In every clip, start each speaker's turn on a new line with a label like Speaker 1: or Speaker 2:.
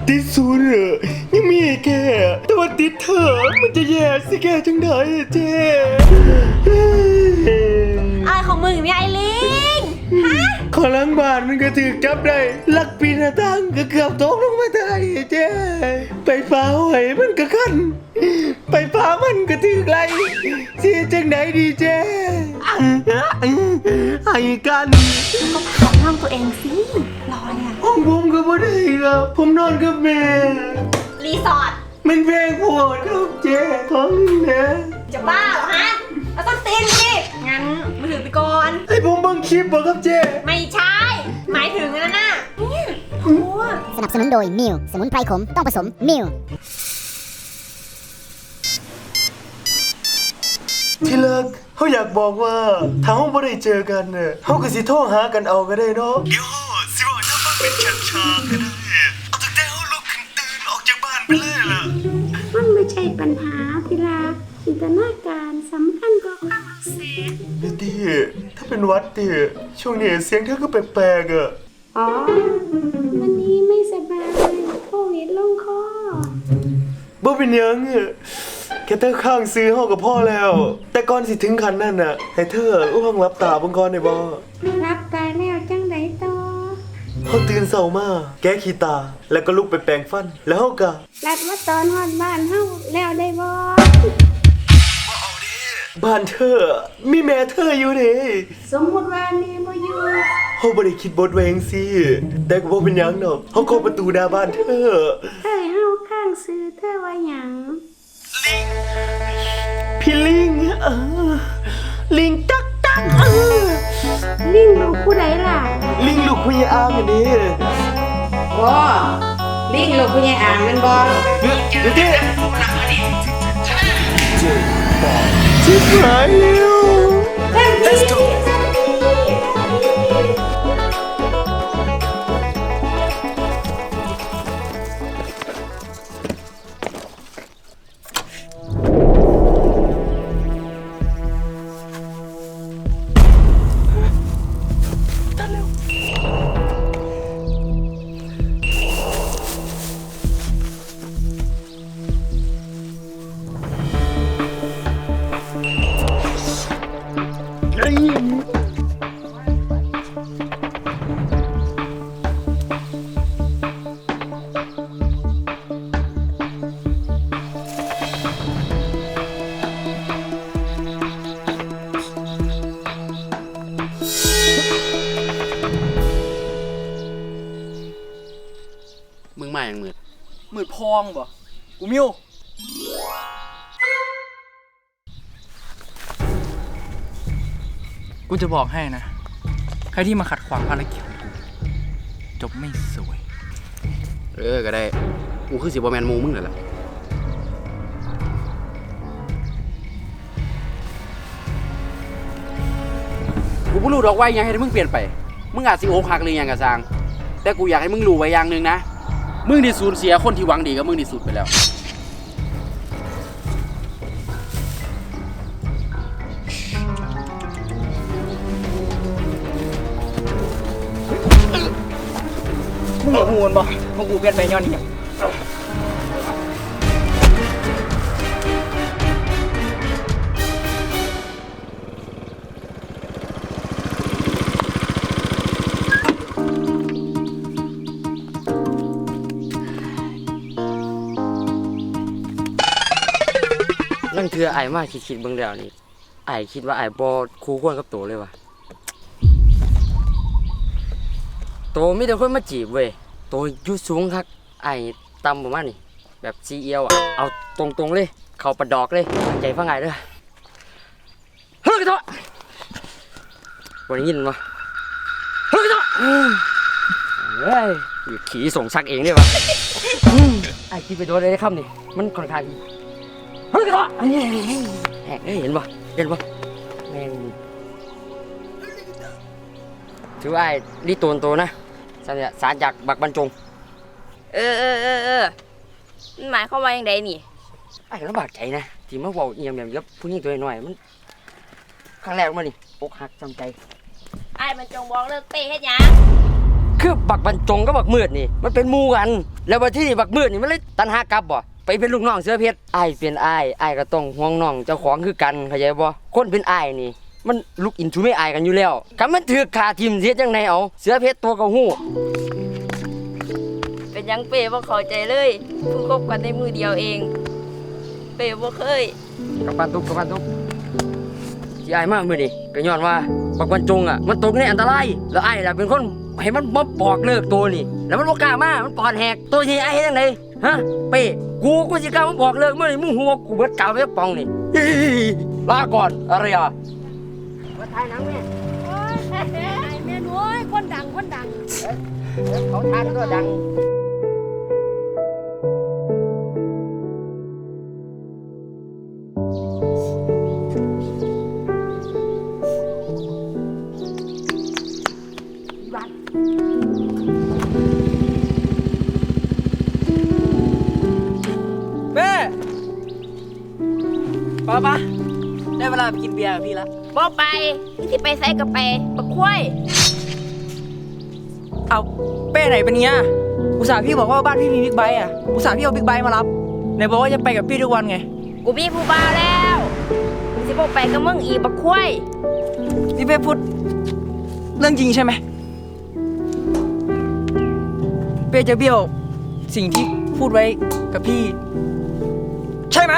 Speaker 1: ติดศูนย์เหรอยังมีแค่แต่ว่าติดเธอมันจะแย่สิแกจังไดเจ๊
Speaker 2: อะไรของมึงเนี่ยไอ้ลิงฮะ
Speaker 1: ขอล้างบ้านมันก็ถือจับได้ลักปีนหน้าต่างก็เกือบตกลงมาได้เจ๊ไปฟ้าหอยมันก็คันไปฟ้ามันก็ถือไรสิจังไดดีเจ๊ให้กัน
Speaker 2: ก็ขายห้องตัวเองสิรอเนี่ย
Speaker 1: ห้องผมก็บ่ได้ครับผมนอนกับแม่
Speaker 2: รีสอร์ท
Speaker 1: มันแพงโหดครับเจ๊ท้องนี่นะ
Speaker 2: จะบ้าเหรอฮะเราต้องตีนสิงั้นมือถือไปก่อน
Speaker 1: ให้ผมเบิ่งคลิปบ่ครับเจ๊
Speaker 2: ไม่ใช่หมายถึงนั่นน่ะเนี่ยโอ้
Speaker 3: สนับสนุนโดยมิวสมุนไพรขมต้องผสมมิว
Speaker 1: ที่เลิกเขาอยากบอกว่าถ้าเราบ่ได้เจอกันเนี่ยเขาก็สิโทรหากันเอาก็ได้เนาะเดี๋ยวสิว่าถ้ามันเป็นฉากๆก็ได้เอาตั้งแต่เขาลุกขึ้นตื่นออกจากบ้านไปเลยล่ะ
Speaker 4: มันไม่ใช่ปัญหาที่รักจินตนาการสำคัญกว่าความรู้สึก
Speaker 1: เบตตี้ถ้าเป็นวัดดิช่วงนี้เสียงเธอก็แปลกๆอ่ะ
Speaker 4: อ๋อวันนี้ไม่สบายโควิดลงคอ
Speaker 1: บ่เป็นหยังอะแค่เธอข้างซื้อห้องกับพ่อแล้ว แต่ก่อนสิถึงขั้นนั้นน่ะให้เธออุ้มรับตาเบิ่งก่อนได้บ่
Speaker 4: รับตายแล้วจังไดต่อ
Speaker 1: เฮาตื่นเช้ามาแก้ขี้ตาแล้วก็ลุกไปแปรงฟันแล้วเฮาก็
Speaker 4: รัดว่าตอนฮอดบ้านเฮาแล้วได้บ่
Speaker 1: บ้านเธอมีแม่เธออยู่เด้
Speaker 4: สมมุติว่าแม่บ่อยู่
Speaker 1: เฮาบ่ได้คิดบทไว้จังซี่แต่ก็บ่เป็นหยังดอกเฮาเข้าประตูหน้าบ้านเธอ
Speaker 4: เอ้ยเฮาข้างซื้อเธอว่าหยัง
Speaker 1: พี่ลิงลิงตักๆ
Speaker 4: ลิงลูกผู้ใดล่ะ
Speaker 1: ลิงลูกคุยอ้างอันนี้
Speaker 4: บ่ลิงลูกผู้ใหญ่อ่างแม่นบ่
Speaker 1: เดี๋ยวเจ๊ชิบหายแล้ว Let's go
Speaker 5: มึงมาอย่างมืด
Speaker 6: มืดพองบ่กูมิว กูจะบอกให้นะ ใครที่มาขัดขวางภารกิจของกู จบไม่สวย
Speaker 5: ก็ได้ กูคือสิบ่แมนหมูมึงนั่นแหละกูบ่รู้ดอกว่ายังให้มึงเปลี่ยนไป มึงอาจสิโอกหักหรือหยังกะซาง แต่กูอยากให้มึงรู้ไว้อย่างหนึงนะ มึงที่สูญเสียคนที่หวังดีกับมึงที่สุดไปแล้ว
Speaker 6: มึงอย่าหูนบ่พวกกูเปลี่ยนไปย้อนนี่
Speaker 5: นั่นคือไอ้มาคิดเบิ่งแล้วนี่ไอ้คิดว่าไอ้บ่คู่ควรกับโตเลยว่ะโตมีแต่คนมาจีบเว้ยโตอยู่สูงคักไอ้ต่ำประมาณนี้แบบซีเอียวอ่ะเอาตรงๆเลยเข้าประดอกเลยตั้งใจฟังไอ้เด้อเฮ้ยกระเทาะบ่ได้ยินบ่เฮ้ยกระเทาะเฮ้ยอยู่ขี่ส่งซักเองเลยวะไอ้คิดไปโดนได้คำนี่มันค่อนข้างเฮ้ยกระเทาะเห็นบ่แม่งถือว่าไอ้รีโตนโตนะสารจากบักบรรจง
Speaker 2: มันหมายความว่าอย่างไรนี่
Speaker 5: ไอ้ก็ลำบากใจนะที่มาเว้าเอียงแบบผู้หญิงตัวน้อยๆมันครั้งแรกมานี่อกหักจำใจ
Speaker 2: ไอ้มันจงบอกเลิกเตะให้ยัง
Speaker 5: คือบักบรรจงกับบักมืดนี่มันเป็นหมู่กันแล้วบัดที่นี่บักมืดนี่มันเลยตันหากลับบ่ไปเป็นลูกน้องเสือเพชรอ้ายเป็นอ้ายก็ต้องห่วงน้องเจ้าของคือกันเข้าใจบ่คนเป็นอ้ายนี่มันลุกอินทูไม่อายกันอยู่แล้วคันมันถือขาทิ่มเสียจังไดเอาเสือเพชรตัวก็ฮู้
Speaker 7: เป็นหยังเป้บ่เข้าใจเลยเพิ่งคบกันในมือเดียวเอง เป้บ่เคย
Speaker 5: กับปานทุกที่อ้ายมามื้อนี้ก็ย้อนว่าบักบรรจงอ่ะมันตกในอันตรายแล้วอ้ายล่ะเป็นคนให้มันมาบอกเลิกตัวนี่แล้วมันบ่กล้ามามันปอดแหกตัวที่อ้ายเฮ็ดจังไดฮะเป้กูสิกล้ามาบอกเลิกมื้อนี้มึงฮู้ว่ากูเบิดกาวไปปองนี่ลาก่อนอะไรอ่ะมาถ่ายหนังแม่
Speaker 2: แม่น้อยคนดัง
Speaker 5: เขาทานก็ดัง
Speaker 6: แม่ป้าได้เวลาไปกินเบียร์กับพี่ละ
Speaker 7: บ่ไปนี่สิไปไสก็ไปบักควาย
Speaker 6: เอาเป้ไหนเป็นเงี้ยอุตส่าห์พี่บอกว่าบ้านพี่มีบิ๊กไบค์อ่ะอุตส่าห์พี่เอาบิ๊กไบค์มารับไหนบอกว่าจะไปกับพี่ทุกวันไง
Speaker 7: กูมีผู้บ่าวแล้วกูสิบ่ไปกับมึงอีกบักควาย
Speaker 6: นี่เป้พูดเรื่องจริงใช่ไหมเป้จะเบี้ยวสิ่งที่พูดไว้กับพี่ ใช่ไหม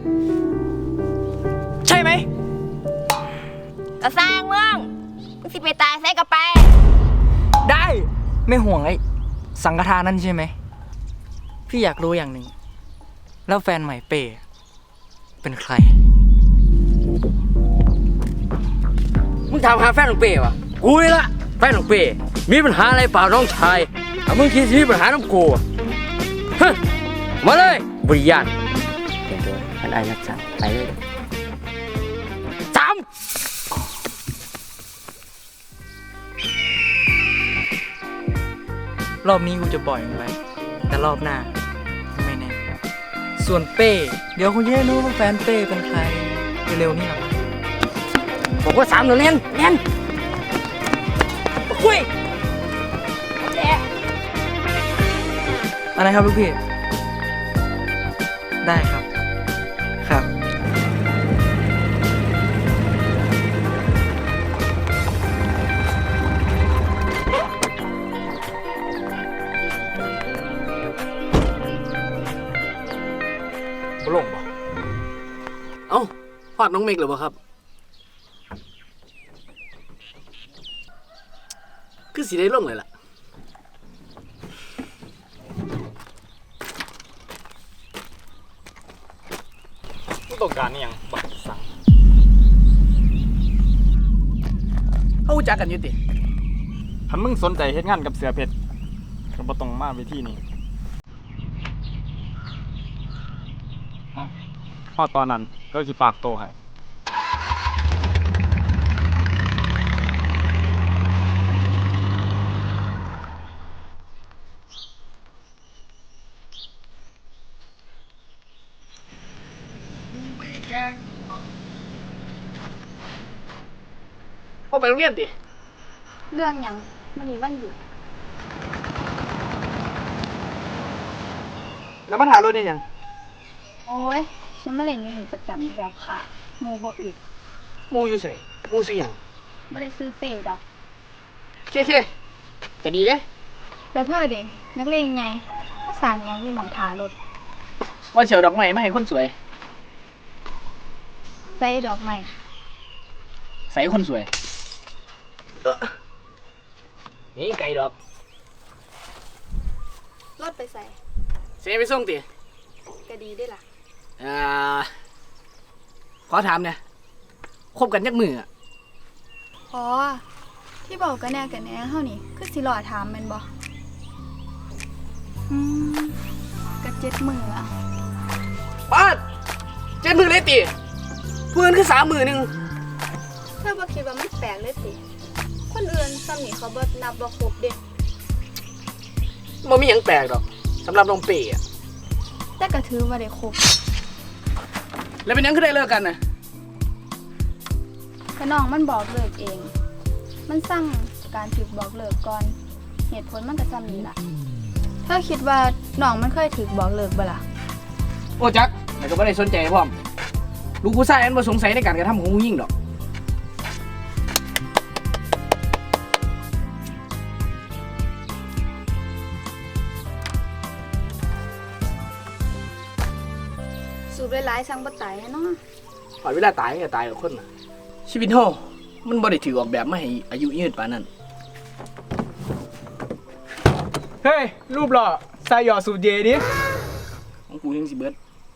Speaker 7: ก็สร้างมึงสิไปตายไสก็ไป
Speaker 6: ได้ไม่ห่วงไอ้สังฆทานนั่นใช่ไหมพี่อยากรู้อย่างหนึ่งแล้วแฟนใหม่เป้เป็นใคร
Speaker 5: มึงถามหาแฟนของเป้วะกูนี่ละแฟนของเป้มีปัญหาอะไรเปล่าน้องชายถ้ามึงคิดมีปัญหาน้ำกูอะฮะมาเลยบริยานเต็มตัวอันไอ้นักสั่งไปเลยสาม
Speaker 6: รอบนี้กูจะปล่อยมันไปแต่รอบหน้าไม่แน่ส่วนเป้เดี๋ยวคุณจะได้รู้ว่าแฟนเป้เป็นใครเร็วๆนี่หรอ
Speaker 5: บอกว่าสามเดี๋ยวเล่นคุย
Speaker 6: อะไรครับลูกพี่ได้ครับครับ
Speaker 8: ลงบ่เอ้าฟาดน้องเมกหรือเปล่าครับ คือสีได้ลงเลยล่ะผู้ต้องการนี่ยังบักสั่งเขารู้จักกันอยู่ติถ้ามึงสนใจเฮ็ดงานกับเสือเพชรก็บ่ต้องมาเวทีนี้พอตอนนั้นก็สิฝากโตให้พ่อไปโรงเรียนติ
Speaker 2: เรื่องหยังมันมีวันหยุด
Speaker 6: แล้วมาถ่ายรถได้ยัง
Speaker 2: โอ้ยฉันมาเล่นอยู่ประจำแบบค่ะโมบ่อึด
Speaker 6: มูอยู่ใส่มูสิหยัง
Speaker 2: ไม่ได้ซื้อเตะดอก
Speaker 6: เคจะดีเลย
Speaker 2: แล้วเธอเด็กนักเรียนไงสารยังมีหมองทารถ
Speaker 6: ว่าเฉียวดอกไม้มาให้คนสวย
Speaker 2: ใส่ดอกไม้
Speaker 6: ใส่คนสวยนี่ไก่ดอก
Speaker 2: รถไปใส่
Speaker 6: เสียไปส่งติ
Speaker 2: ก็ดีได้ล่ะ
Speaker 6: ขอถามเนี่ยคบกันยักมืออ่ะ
Speaker 2: อ๋อที่บอกกันแน่เฮานี่คือสิหล่อถามแม่นบ่ก็7 มื้ออะ
Speaker 6: ป้าเจ็ดมือเลยติเพื่อนคือ3 มือหนึ่ง
Speaker 2: เธอบ่คิดว่ามันแปลกเลยติคนอื่นซ้ำนี่เขาบ่นับบ่ครบเด้
Speaker 6: มันมีหยังแปลกดอกสำหรับน้องเป๋อะ
Speaker 2: แต่ก็ถือว่าได้ครบ
Speaker 6: แล้วเป็นหยังคือได้เลิกกันน่ะ
Speaker 2: ก็น้องมันบอกเลิกเอง มันสั่งการถูกบอกเลิกก่อนเหตุผลมันก็ซ้ำนี้ล่ะเธอคิดว่าน้องมันเคยถูกบอกเลิกบ่ล่ะ
Speaker 6: โอ้จักแต่ก็ไม่ได้สนใจพร้อมลูกผู้ชายอันบ่สงสัยในการกระทำของผู้หญิงดอก
Speaker 2: สูบหลายๆสั่งบ่ตายแน่เนาะ
Speaker 6: พอเวลาตายก็ตายกับคนน่ะชีวิตเฮามันบ่ได้ถือออกแบบมาให้อายุยืนปานนั้น
Speaker 8: เฮ้ย รูปหล่อใส่หยอดสูตรเยดิ
Speaker 6: ของกูยังสิเบิด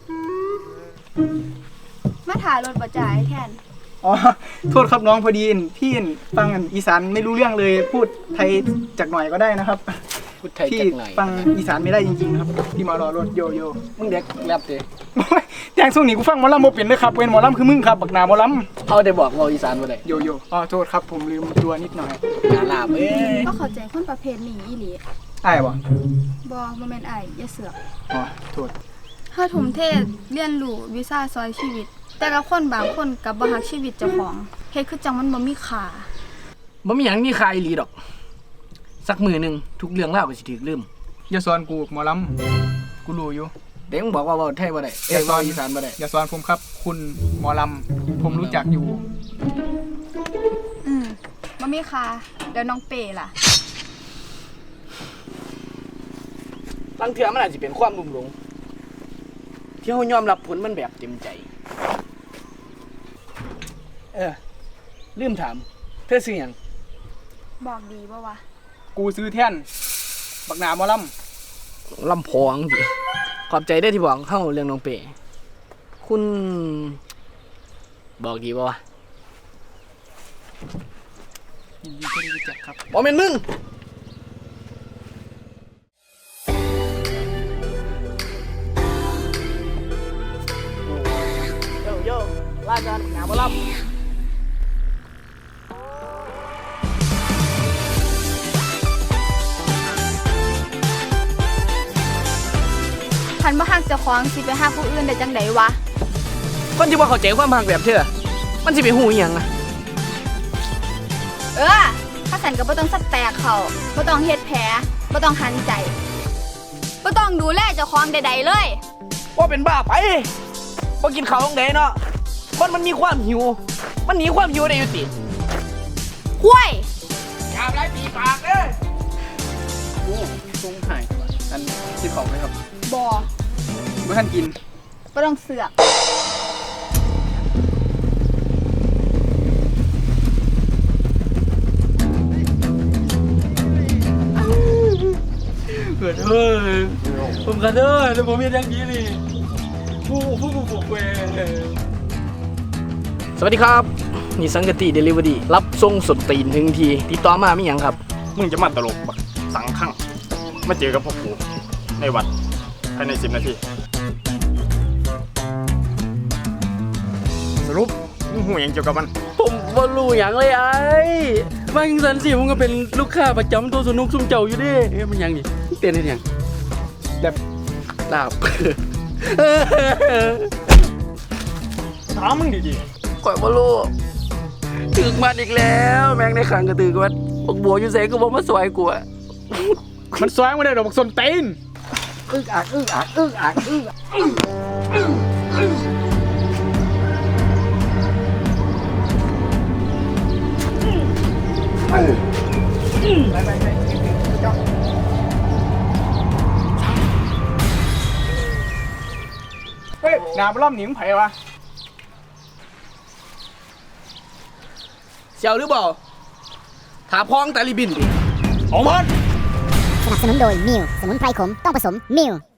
Speaker 2: มาถ่ายรถบ่จ่ายแทน
Speaker 8: อ๋อ โทษครับน้องพอดีพี่ฟังอีสานไม่รู้เรื่องเลย พูดไทยจักหน่อยก็ได้นะครับ
Speaker 6: พูดไทย
Speaker 8: พี่
Speaker 6: จักหน่อย
Speaker 8: ฟังอีสานไม่ได้จริงๆครับ พี่มารอรถโยโย่
Speaker 6: มึงเด็กแรปเด้
Speaker 8: โอ้ยแจงส่งหนีกูฟังหมอลำโมเป็นเลยครับเป็นหมอลำคือมึงครับบักหนาหมอล
Speaker 6: เขาได้บอกเราอีสานบ่ได้
Speaker 8: ำโยโย่อ๋อโทษครับผมลืมตัวนิดหน่อย
Speaker 6: หาลาบเอ้ย
Speaker 2: ก็เข้าใจคนประเภทนี้อีหลี
Speaker 8: อ้ายบ่
Speaker 2: บ่แม่นอ้ายอย่าเสือก
Speaker 8: อ๋อโทษ
Speaker 2: เฮาทุ่มเทเรียนรู้วิชาซอยชีวิต แต่ละคนบางคนก็บ่ฮักชีวิตเจ้าของเฮ็ดคือจังมันบ่มีค่า
Speaker 6: บ่มีหยังมีใครอีหลีดอก สักมือหนึงทุกเรื่องราวก็สิถูกลืม
Speaker 8: อย่าสอนกูหมอลำกูรู้อยู่
Speaker 6: เด็กมึงบอกว่าเว้าไทยบ่ได้เอ้ยเว้าอีสานบ่ได้
Speaker 8: อย่าสอนผมครับ คุณหมอลำผมรู้จักอยู่
Speaker 2: บ่มีค่าเดี๋ยวน้องเป้ล่ะ
Speaker 6: บางเทื่อมันอาจสิเป็นความลุ่มหลงที่เฮายอมรับผลมันแบบเต็มใจ ลืมถาม เธอซื้อหยัง
Speaker 2: บอกดีบ่วะ
Speaker 8: กูซื้อแท่นบักหนาหมอล
Speaker 6: ลำพองสิขอบใจได้อที่บอกเข้าเรื่องน้องเป๋คุณ บอกดีป่าวะ
Speaker 8: ำยินดีที่ได้รู้จักครับ
Speaker 6: บอกเป็นมึง โยโย่ลากันหนาบอล
Speaker 2: คันบ่ฮักเจ้าของสิไปฮักผู้อื่นได้จังไดวะ
Speaker 6: คนที่ว่าเข้าใจความหักแบบเธอ มันสิไปหูอหย่างอะ
Speaker 2: ถ้าสันก็บ่ต้องสับแตกเขาบ่ต้องเฮ็ดแผลบ่ต้องหันใจบ่ต้องดูแลเจ้าของใดๆเลย
Speaker 6: ว่าเป็นบ้าไปว่ากินข้าวของเดเนาะคนมันมีความหิว มันหนีความหิวได้อยู่ติ
Speaker 2: ห้วย
Speaker 6: อยากได้ปีปากเด้อ
Speaker 8: โอ้ทรงหายอันคิดของไหมครับ
Speaker 2: บ่
Speaker 8: เมื่อท่านกิน
Speaker 2: บ่ต้องเสือก
Speaker 8: เกิดเฮ้ยผมกันเด้อแล้วผมมีอย่างนี้นี่ผู้เว
Speaker 6: สวัสดีครับ นี่สังกติเดลิเวอรี่รับส่งสดตีนถึงทีติดต่อมาไม่ยังครับ
Speaker 9: มึงจะมาตลกบักสังขังมาเจอกับพวกกูในวัดภายใน10 นาที สรุปมึงหูหยังเกี่ยวกับมัน
Speaker 5: ผมบ่รู้หยังเลยไอ้มาจังซั่นสิผมก็เป็นลูกค้าประจำตัวสนุกซุ่มเจ้าอยู่เด้มันหยังนี่เต้นเฮ็ดหยัง
Speaker 8: แบบ
Speaker 5: ลาบ
Speaker 8: ถามมึงดี
Speaker 5: ข่อยบ่รู้ถึกมันอีกแล้วแม่งในขังก็ตึกมันบักบัวอยู่ไสก็บ่มาซอยกูอะ
Speaker 8: ๆมันสวยไม่ได้ดอกบักสนตีน เฮ้ยหนาบล่อมหนิงไผ่วะ
Speaker 6: เสียวหรือเปล่าถาพองแต่ลิบินดิ
Speaker 8: เอามัน
Speaker 3: สนับสนุนโดยมิวสมุนไพรขมต้องผสมมิว